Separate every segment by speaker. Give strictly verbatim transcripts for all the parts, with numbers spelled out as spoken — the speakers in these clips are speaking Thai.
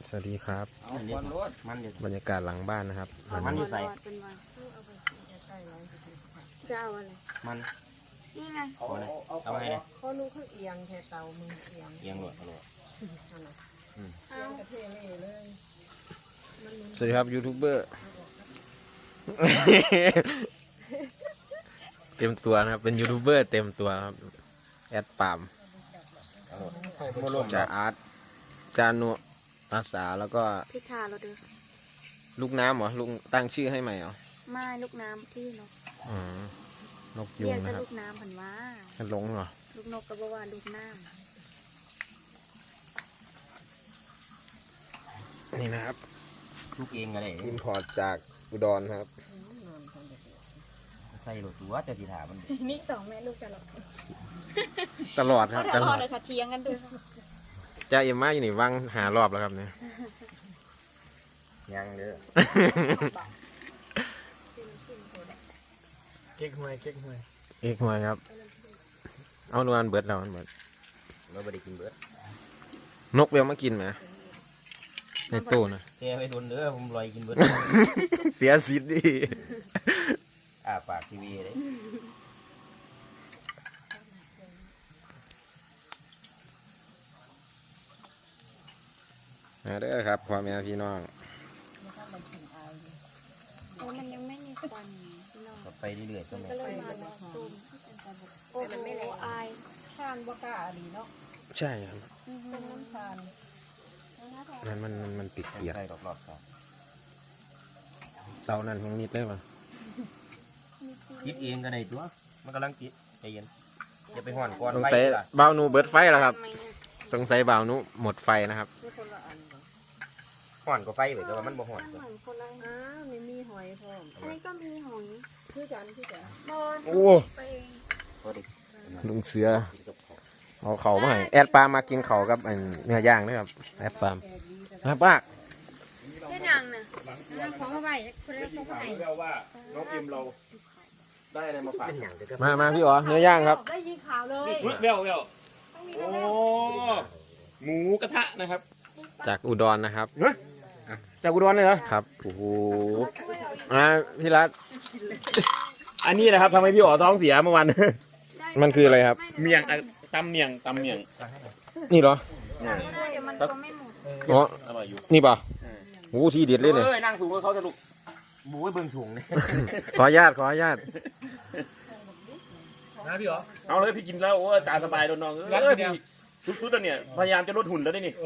Speaker 1: สวัสดีครับบรรยากาศหลังบ้านนะครับ
Speaker 2: มันอยู่ใส่
Speaker 3: จะเอาอะไร
Speaker 2: มัน
Speaker 3: นี่ไง
Speaker 2: เอาอะไรเอาไงเนี่ย
Speaker 4: เขาลูกเขาเอียงแค่เตามือเอียง
Speaker 2: เอียงหลวดหลวด
Speaker 4: เอียงกระเทยเลย
Speaker 1: สวัสดีครับยูทูบเบอร์เต็มตัวนะครับเป็นยูทูบเบอร์เต็มตัวครับแอดปามจ่าอาร์ตจานุอาสาแล้วก็
Speaker 3: พิธาเราดู
Speaker 1: ลูกน้ำเหรอลุงตั้งชื่อให้ใหม่เหรอ
Speaker 3: ไม่ลูกน้ำที่นก
Speaker 1: อืมนกยุ
Speaker 3: เรีย
Speaker 1: ง
Speaker 3: ก
Speaker 1: นะครับ
Speaker 3: ลูกน้ำผันว่า
Speaker 1: กันลงเหรอ
Speaker 3: ลูกนกก็บอกว่าลูกน้
Speaker 1: ำนี่นะครับ
Speaker 2: ลูกเองอะไร
Speaker 1: อิมพอร์ตจากอุดรครับ
Speaker 2: ใส่หลวดตัวแต่ทีถามัน
Speaker 3: นี่สองแม่ลูกตลอด
Speaker 1: ตลอดครับตลอด
Speaker 3: เลยค่ะเทียงกันด้วย
Speaker 1: จ้าเอ็มมาอยู่นี่ว่างหารอบแล้วครับเนี่ย
Speaker 2: ยังเด้อ
Speaker 5: เก๊กหวยเก๊กหวย
Speaker 1: เอกหวยครับเอานวลเบิร์ดเราเบิร์ด
Speaker 2: เราไม่ได้กินเบิร์ด
Speaker 1: นกเวลมากินไหมในตู้นะ
Speaker 2: แกไปโดนเด้อผมลอยกินเบิร์ด
Speaker 1: เสียสิทธิ์ดิ
Speaker 2: อ่าปากทีวีเลย
Speaker 1: นะเด้อครับพ่อแม่พี่น้อง
Speaker 3: โอ้มันยังไม่มีควัน
Speaker 2: ไปเรื่อยๆก็ไม่
Speaker 3: ก็เลยมาตูมโอ้มันไม่ไหลอาย
Speaker 4: ทานบกาอดีเนาะ
Speaker 1: ใช่ครับ
Speaker 4: เป็นน้ำทาน
Speaker 1: นั่นมันมันมันปิดเปียก
Speaker 2: ใช่รอบๆสอง
Speaker 1: เตานั่นยังนิดเลยมั้ย
Speaker 2: คิดเองก็ได้ตัวมันกำลังคิดใจเย็นอย่าไปห่อนก่อน
Speaker 1: สงสัยบ่าวนูเบิร์ดไฟแล้วครับสงสัยบ่าวนูหมดไฟนะครับ
Speaker 2: ห่อนก็ไฟเลยแต่ว่ามันบ่ห่อน
Speaker 3: เหมือนคนละ
Speaker 4: อ้าวมีมีหอยพร้อม
Speaker 3: อันนี้ก็มีหอย
Speaker 4: คือกันคือกัน
Speaker 3: บอล
Speaker 1: โอ้ลุงเสือเอาเข่ามาให้แอดปามากินเข่ากับเนื้อย่างด้วยครับแอดปามครับป้า
Speaker 3: แค่ยังนะของเข้าไปคนละของเข้าไป
Speaker 5: ว่าน้องเอ็มเราได้อะไรมาฝาก
Speaker 1: มามาพี่อ๋อเนื้อย่างครับ
Speaker 4: ได้ยินข่าวเลย
Speaker 5: เวลเวลโอ้หมูกระทะนะครับ
Speaker 1: จากอุดรนะครับ
Speaker 5: จากอุดรเลยเหรอ
Speaker 1: ครับโอ้โหอ่าพี่รัต
Speaker 5: อันนี้นะครับทำให้พี่อ๋อท้องเสียเมื่อวาน
Speaker 1: มันคืออะไรครับ
Speaker 5: เมี่ยงตำเมี่ยงตำเมี่ยง
Speaker 1: นี่เหรอ
Speaker 3: เดี๋ยวมันก็ไม่หมด
Speaker 1: อ๋อ
Speaker 5: อร่อยอยู่
Speaker 1: นี่ป่ะโอ้ที่เด็ดเลยเนี่ย
Speaker 5: เอ้ยนั่งสูงกับเขาสนุก
Speaker 2: หมูเบิ่งสูงเลย
Speaker 1: ขออนุญาตขออนุญาต
Speaker 5: นะพี่อ๋อเอาเลยพี่กินแล้วโอ้ตาสบายโดนน้องเออพี่ทุกๆเนี่ยพยายามจะลดหุ่นแล้วได้นี่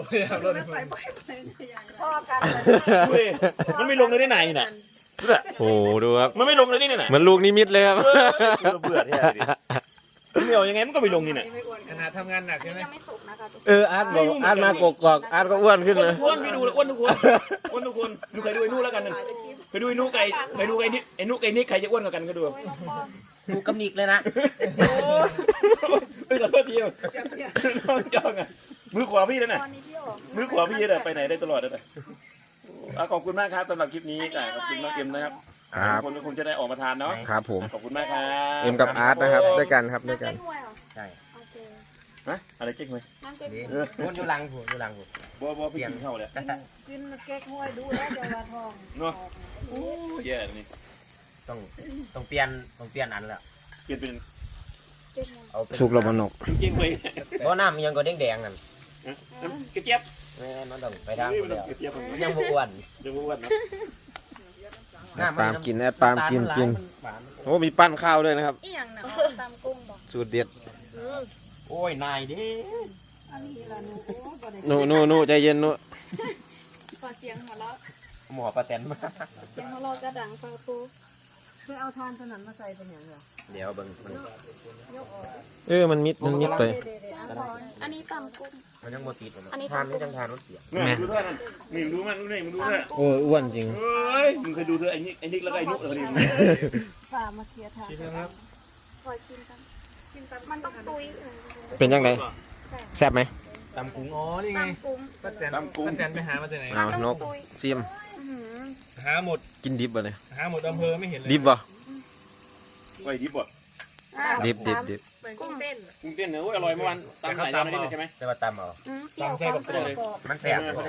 Speaker 4: พ่อกัน
Speaker 5: มันไม่ลงเลยได้ไหนน่ะ
Speaker 1: โอ้ดูครับ
Speaker 5: มันไม่ลงเลยนี่ไหน
Speaker 1: เหมือนลูกนิมิตเลยครับ
Speaker 5: เบื่อที่เหนียวยังไงมันก็ไม่ลงนี่น่ะ
Speaker 2: ขนาดทำงานหนักใช่ไหม
Speaker 3: ยังไม่สุกนะคะทุกคน
Speaker 1: เอออาร์ตบอกอาร์ตมากกอกอาร์ตก็อ้วนขึ้นเลย
Speaker 5: อ้วนพี่ดูเลยอ้วนทุกคนอ้วนทุกคนดูใครดูไอ้นู่แล้วกันนึงไปดูไอ้นู่ไก่ไปดูไอ้นี่ไอ้นู่ไอ้นี่ใครจะอ้วนกว่ากันก็ดู
Speaker 2: กูกำนิกเลยนะ
Speaker 5: ไปกับเพื่อนพี่น้องจองอ่ะมือขวาพี่นั่นน่ะ
Speaker 3: ตอนนี้พี่ออก
Speaker 5: มือขวาพี่น่ะไปไหนได้ตลอดเลยขอบคุณมากครับสำหรับคลิปนี้ขอบคุณน้องเอ็มนะครับคนก็คงจะได้ออกมาทานเนาะ
Speaker 1: ครับผม
Speaker 5: ขอบคุณมากครับ
Speaker 1: เอ็มกับอาร์ตนะครับด้วยกันครับด้วยกัน
Speaker 3: น้ำเก๊กฮวยเหรอ
Speaker 2: ใช่
Speaker 3: โอเค
Speaker 5: ฮะอะไรเก๊กไหม
Speaker 3: น้ำเก๊ก
Speaker 2: ดี
Speaker 3: ฮวย
Speaker 2: คนอยู่หลังผัวอยู่หลังผัว
Speaker 5: บัวบัวพี่กินเข้าเลย
Speaker 4: กินเก๊กห้วยดูแล้วจะว่าทอง
Speaker 5: เนาะโอ้แย่นี่
Speaker 2: ต้องต้องเปลี่ยนต้องเปลี่ยนอันแล้ว
Speaker 5: เปลี่ยนเป็น
Speaker 3: เก๊กฮวย
Speaker 2: เอาเป็น
Speaker 1: สุกระบนก
Speaker 5: เก๊กไหม
Speaker 2: เพราะน้ำยังก็แดงๆนั่น
Speaker 5: กระเจี๊ยบ
Speaker 2: ไม่มันต้องไปทางคนเดียว
Speaker 5: กระเจี๊ยบ
Speaker 2: มันยังบอ้วน
Speaker 5: ยังบ้วนเนาะ
Speaker 1: ปาล์มกินแอดปาล์มกินกินโอ้มีปั้นข้าวด้วยนะครับ
Speaker 3: อีหยังนะตำกุ้งบอก
Speaker 1: สูตรเด็ด
Speaker 2: โอ้ยนายดิ
Speaker 4: อันนี้ละหนูบ่ได้
Speaker 1: นู่นู่นู่ใจเย็นนู่
Speaker 3: ขอเสียงหัวเราะ
Speaker 2: หมอประแตนมา
Speaker 3: เสียงหัวเราะกระดังฟังปู
Speaker 4: เพื่อเอาทานสนั่นมาใส่เป็นอย่างไร
Speaker 2: เดี๋ยวเบิ่งมัน
Speaker 1: เออมันมิดมันมิดเลย
Speaker 3: อันนี้ตำกุ้ง
Speaker 2: มันยังโมติด
Speaker 3: อันนี้
Speaker 2: ทานไม่จังทานรถเสีย
Speaker 5: แม่ดูเท่านั้นนี่ดูมันดูนี่มึงดูเท่า
Speaker 1: โอ้อ้วนจริง
Speaker 5: เฮ้ยมึงเคยดูเธอไอ้นิกไอ้นิกแล้วก็ไอ้นุ๊กเออนี่
Speaker 4: ฝ่ามาเคลียร์ทาง
Speaker 3: คอยกินกันกินกันมันต้องตุย
Speaker 1: เป็นยังไงแซ่บไหม
Speaker 2: ตำกุ้งอ๋อนี่ไง
Speaker 3: ตำกุ้ง
Speaker 2: ป้าแตน
Speaker 5: ตำกุ้ง
Speaker 2: ป้าแตนไปหามาจากไหน
Speaker 1: เอานกซิม
Speaker 3: อื้อหือ
Speaker 2: หาหมด
Speaker 1: กินดิบบ่เลย
Speaker 2: หาหมดอำเภอไม่เห็นเลย
Speaker 1: ดิบบ่
Speaker 5: ไว้ดิบบ่
Speaker 1: ดิบดิบดิบ
Speaker 3: กุ้งเต้น
Speaker 5: กุ้งเต้นเนื้ออร่อยเมื่อวานตำใส่ตำนี่ใช่ไหม
Speaker 2: แต่ว่าตำเอา
Speaker 3: อืมเปรี้ยว
Speaker 2: ตำใส่กับ
Speaker 3: ก
Speaker 2: ตัว
Speaker 3: รอบ
Speaker 2: เลยมันแสบ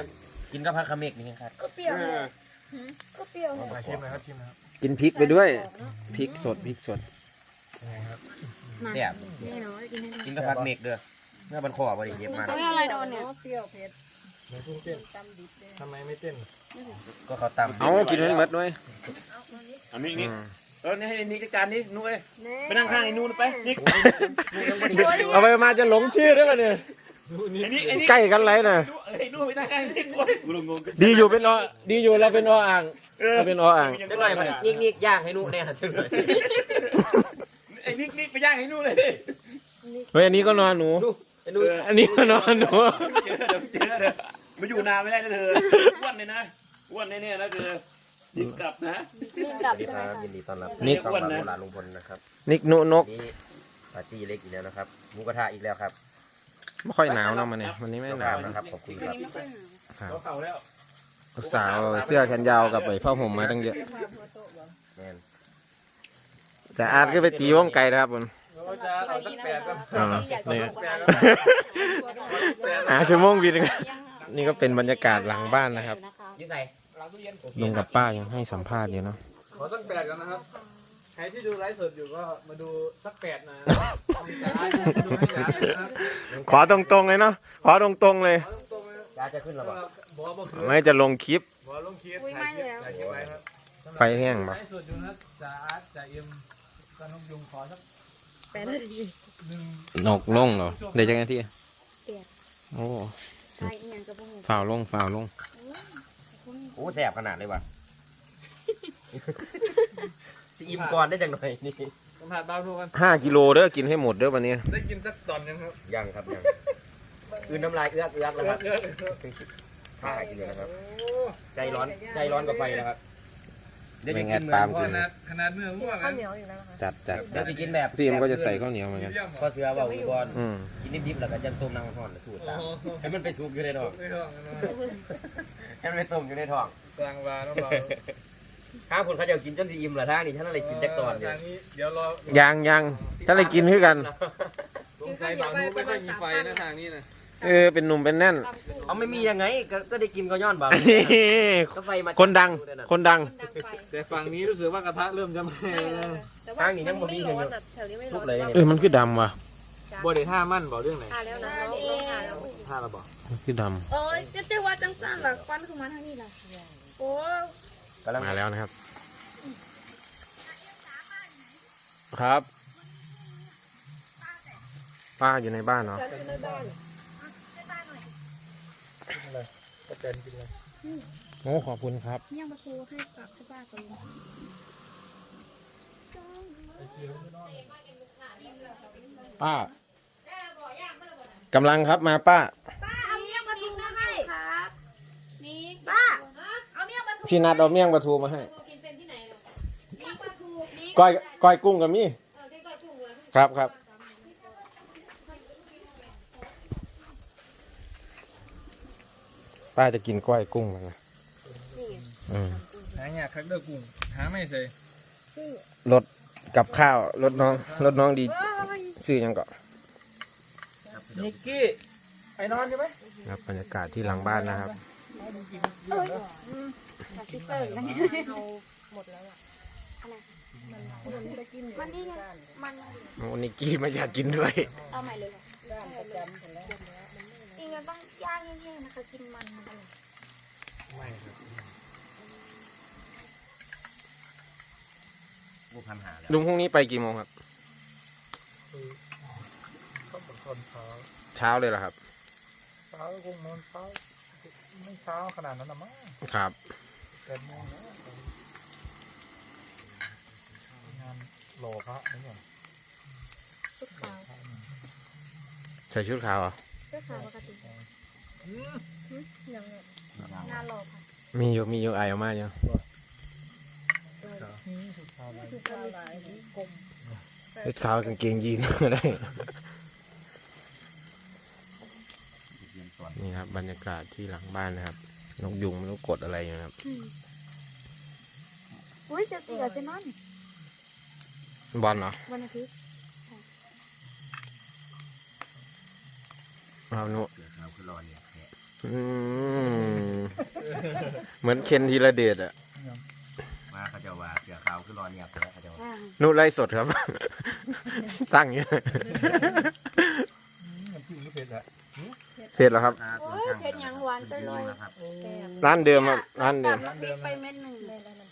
Speaker 2: กินกับผักขมิกนี่ครับ
Speaker 3: ก็เปรี้ยวก็เปรี้ยว
Speaker 6: มาชิมนะครับชิมนะครับ
Speaker 1: กินพริกไปด้วยพริกสดพริกสด
Speaker 6: ยังไงครับ
Speaker 2: แซ่บ
Speaker 3: นี่เนาะกินให้ดู
Speaker 2: กินกับผักเมกเด้อเมื่อบันคอบ่ได้เย็บมา
Speaker 3: เขาอะไรโดนเนี่ย
Speaker 4: เปรี้ยวเผ็ด
Speaker 6: มันเพิ่งเต้น
Speaker 4: ตำดิบเลย
Speaker 6: ทำไมไม่เต้น
Speaker 2: ก็เขาตำ
Speaker 1: เอากินให้หมดด้วย
Speaker 5: อันนี้นี่
Speaker 1: อืม
Speaker 5: เออนี่ให้นี่จัดการนี่นุ้ยไปนั่งข้างไอ้นู่นไปนี่
Speaker 1: เอาไปมาจะหลงชื่อด้วยกันเนี่ย
Speaker 5: ไอ้นี่ไอ้นี่
Speaker 1: ใกล้กันไรน่ะ
Speaker 5: ไอ้นู่นไปนั่งข้างไอ้นี่กูงง
Speaker 1: ดีอยู่เป็นอดีอยู่เราเป็นออ่างเราเป็นออ่าง
Speaker 2: จังหน่อยมันนิกนิกย่างให้หนูแน่จังหน่อย
Speaker 5: ไอ้นี่นี่ไปย่างไอ้นู่นเลย
Speaker 1: เฮ้ยอันนี้ก็นอนหนู
Speaker 2: ไอ้หนู
Speaker 1: อันนี้ก็นอนหนู
Speaker 5: เจอเดี๋ยวเจอเดี๋ยวมาอยู่นานไม่ได้นะเธออ้วนเลยนะอ้วนแน่ๆนะเธอดิบกลับนะ
Speaker 3: มีกลับ
Speaker 2: สวัสดี
Speaker 3: ใช่
Speaker 2: ค
Speaker 3: ไหม
Speaker 2: รับ
Speaker 3: คะ
Speaker 2: ยินดีต้อนรับ
Speaker 5: นี่
Speaker 2: เข้า
Speaker 5: อ้วน
Speaker 2: มา
Speaker 5: นะ
Speaker 2: โบราณลุงพลนะครับ
Speaker 1: นิกนุนก
Speaker 2: นี่ปาร์ตี้เล็กอีกแล้วนะครับหมูกระทะอีกแล้วครับ
Speaker 1: ไม่ค่อยหนาวเนาะมันเนี่ยวันนี้ไม่หนาว
Speaker 2: นะ
Speaker 1: นะ
Speaker 2: ครับขอบคุณครับ
Speaker 3: นี่ไม่ค่อยหนาว
Speaker 1: ครับ
Speaker 5: เขาเข่าแล้ว
Speaker 1: ลูกสาวเสื้อแขนยาวกับไอ้ผ้าห่มมาตั้งเยอะ
Speaker 2: แม่น
Speaker 1: แต่อาร์ตก็ไปตีวงไก่นะครับผม
Speaker 6: เราจะเอาสักแปดก็
Speaker 1: อ่า
Speaker 3: อยากจะ
Speaker 1: นี่
Speaker 3: บอกว่า
Speaker 1: หาชั่วโมงบินงนี่ก็เป็นบรรยากาศหลังบ้านนะครับ
Speaker 2: ยี่ใส่
Speaker 1: ลุงกับป้ายังให้สัมภาษณ์อยู่เนาะ
Speaker 6: ขอสักแปดกันนะครับ ใครที่ดูไลฟ์สดอยู่ก็มาดูสักแปดนะมีจ๋าดูให้จ๋านะครับ
Speaker 1: ขอตรงๆเลยเนาะขอตรงๆเลย
Speaker 6: เอาตรงๆนะ
Speaker 2: ยาจะขึ้นหรอเปล่า
Speaker 6: บอบ่คือ
Speaker 1: ไม่จะลงคลิป
Speaker 6: บอลงคลิปถ่ายคลิปถ่ายคลิปไว้ครับ
Speaker 1: ไฟแห้งปะ
Speaker 6: ไลฟ์สดอยู่นะจ๋าอาร์ตจ๋าเอ็มกนกยุงขอสัก
Speaker 3: แปดนาที
Speaker 6: หนึ่ง
Speaker 1: นกลงเหรอเดี๋ยวจะไงที่โอ้
Speaker 3: ใช่อีกอย่างกับพวกหนู
Speaker 1: ฝ่าวลงฝ่าวลง
Speaker 2: โอ้แสบขนาดเลยว่ะสิอิ่มก่อนได้จังหน่อยนี่
Speaker 6: สัมผัสบ้าทุกคน
Speaker 1: ห้ากิโลเด้อกินให้หมดเด้อวันนี้
Speaker 6: ได้กินสักตอนยังครับ
Speaker 2: ยังครับยังคืนน้ำลายเอื้อกเอื้อกแล้วครับ
Speaker 6: เยอะ
Speaker 2: ข้ากินเลยนะครับ
Speaker 6: โอ้
Speaker 2: ใจร้อนใจร้อนกับไฟนะครับ
Speaker 1: ไม่งั้นตาม
Speaker 6: ข
Speaker 1: กิน
Speaker 6: นาดขนาดเมื่อว่า
Speaker 4: ข้าวเหนียวอยู่แล้วนะคะ
Speaker 1: จัดจัด
Speaker 2: เดี๋
Speaker 1: จั
Speaker 2: ยว
Speaker 1: ด
Speaker 2: จะกินแบบ
Speaker 1: พี่มันก็จะใส่ข้าวเหนียวเหมือนกัน
Speaker 2: ข้อเสือว่าอุบล
Speaker 1: อืม
Speaker 2: กินนิดๆแล้วก็จะต้มน้ำห่อนสูตรตามให้มันไปซุกอยู่ในท้อง
Speaker 6: ไม่ต้องนะ
Speaker 2: ให้มันไปต้มอยู่ในท้อง
Speaker 6: สร้างวาน้องเรา
Speaker 2: ข้าวคนเขาจะกินจนสิอิ่มละท่านี่ท่านอะไรกินจักตอนเดียว
Speaker 6: ทางนี้เดี๋ยวรอ
Speaker 1: ยังยังถ้าอะไรกินคือกัน
Speaker 6: สงสัยบางนู้นไม่ค่อยมีไฟนะทางนี้นะ
Speaker 1: เออเป็นหนุ่มเป็นแน่น
Speaker 2: เอาไม่มียังไงก็ก็ได้กินก็ย้อนบาปก็ไฟมา
Speaker 1: คนดังคนดัง
Speaker 3: คนดังไป
Speaker 6: แต่ฝั่งนี้รู้สึกว่ากระทะเริ่มจะไหม้แล้ว
Speaker 3: แต่ว่ามันไม่ร้อนแบบแถวนี้ไม่ร้
Speaker 2: ทุ
Speaker 3: อก น
Speaker 2: เลย
Speaker 1: เออมันคือดำว่ะ
Speaker 6: บ่ได้ท่ามั่นบอกเรื่องไหน
Speaker 3: ทาแล้วนะน้องน้องทาแล้ว
Speaker 6: ท่าเราบอก
Speaker 1: มันคือด
Speaker 3: โอ้ยจะเจ้าว่าจังสั้นหรอควันคือมาทางนี้ล่ะโอ้
Speaker 2: กำลัง
Speaker 1: ำมาแล้วนะครับ ครับ ป้าอยู่ในบ้านเนาะ
Speaker 3: ฉันอยู่ในบ้าน
Speaker 6: ก็เจนกินเลย
Speaker 1: โอ้ขอบคุณครับ
Speaker 3: ย่างประตูให้กลับที่บ้านก่อนเลย
Speaker 1: ป้ากำลังครับมาป้า
Speaker 4: เอาเมี่ยงปลาทูมาให้
Speaker 3: ครับนี่
Speaker 4: ป้าเอาเมี่ยงปลาทู
Speaker 1: พี่นัดเอาเมี่ยงปลาทูมาให้
Speaker 3: กินเป็นที่ไหนหรอ
Speaker 4: เมี่ยงปลาทู
Speaker 3: นี่
Speaker 1: ก้อยก้อยกุ้งกับมี่
Speaker 3: เออที่ก้อยกุ้งเลย
Speaker 1: ครับครับป้าจะกินก้อยกุ้งแล้วนะอืม
Speaker 6: หาเนี่ยคักเดอร์กุ้งหาไม่ใส่
Speaker 1: รถกับข้าวรถน้องรถน้องดีซื้อยังก่อน
Speaker 6: นิกกี้ไอ้นอนใช่ไหม
Speaker 1: ครับบรรยากาศที่หลังบ้านนะครับ
Speaker 3: จากที่เตอร์กันเอาหมดแล้วอ่ะอะไรมันนี่ไงมัน
Speaker 1: โอ้นิกกี้ไม่อยากกินด้วย
Speaker 3: เอาใหม่เลยเหรออีกอย่างต้องย่างแห้งๆนะคะกินมันมันอร่อย
Speaker 6: ไม่ครับ
Speaker 2: บุพันหาแล้ว
Speaker 1: ลุงพรุ่งนี้ไปกี่โมงครับ
Speaker 6: เขาเป็นคนเช้า
Speaker 1: เช้าเลยเหรอครับ
Speaker 6: เช้าคงนอนเช้าไม่เช้าขนาดนั้นนะมั้ง
Speaker 1: ครับ
Speaker 6: แปดโมงแล้วงานหล่อพระนี่เนี่ย
Speaker 3: ชุดขาว
Speaker 1: ใส่ชุดขาวเหรอ
Speaker 3: ชุดขาวปกติอย่างเงี้ยงานหล่อค่ะ
Speaker 1: มีอยู่มีอยู่ไอออกมาอยู่
Speaker 6: นี่สุดท้ายแล้ว
Speaker 3: คือจะมีสีกลม
Speaker 1: ชุดขาวกางเกงยีนก็ได้ นี่ครับบรรยากาศที่หลังบ้านนะครับ นกยุงไม่รู้กดอะไรอยู่นะครับ
Speaker 3: อุ้ยจะเสียเซนอน
Speaker 1: บอลเหรอ
Speaker 3: วันอาทิตย์
Speaker 1: เอาหนุ
Speaker 2: เสือขาวคือรอเนี่ยแขะ
Speaker 1: อืมเหมือนเคนธีรเดชอะ
Speaker 2: มาเขาจะว่าเสือขาวคือรอเงียบเลยเขาจะว่า
Speaker 1: นู่นไล่สดครับ ตั้งอย่างเงี้ย
Speaker 6: มันจิ้มไม่เผ็ดอะ
Speaker 1: เผ็ดแล้วครับ
Speaker 3: โอ้ยเผ็ดยังหวานไปเลย
Speaker 2: ครับ
Speaker 1: ร้านเดิมครับร้านเดิม
Speaker 3: น้ำพริกไปเม็ดหนึ่งเลย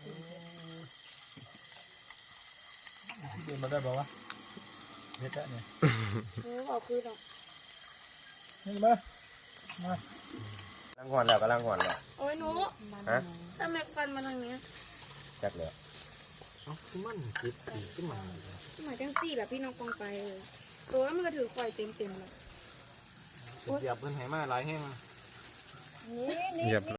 Speaker 6: เดินมาได้บอกว่าเผ็ดอะเนี่ย
Speaker 3: เออบอกคือดอก
Speaker 6: นี่มา
Speaker 2: ลังหอนแล้วก็ลังหอนแล้ว
Speaker 3: โอ้ยหนู
Speaker 2: ฮะ
Speaker 3: ทำไมฟันมาทางนี้
Speaker 2: จักเลย
Speaker 6: มันติดขึ้นมา
Speaker 3: หมายจังสี่แบบพี่น้องปองไปเลยตัวมันก็ถือไฟเต็มเต็มๆเลย
Speaker 6: เหยียบเพิ่นไหมาหลายแห้ง
Speaker 3: นี่นี่
Speaker 1: เหยียบ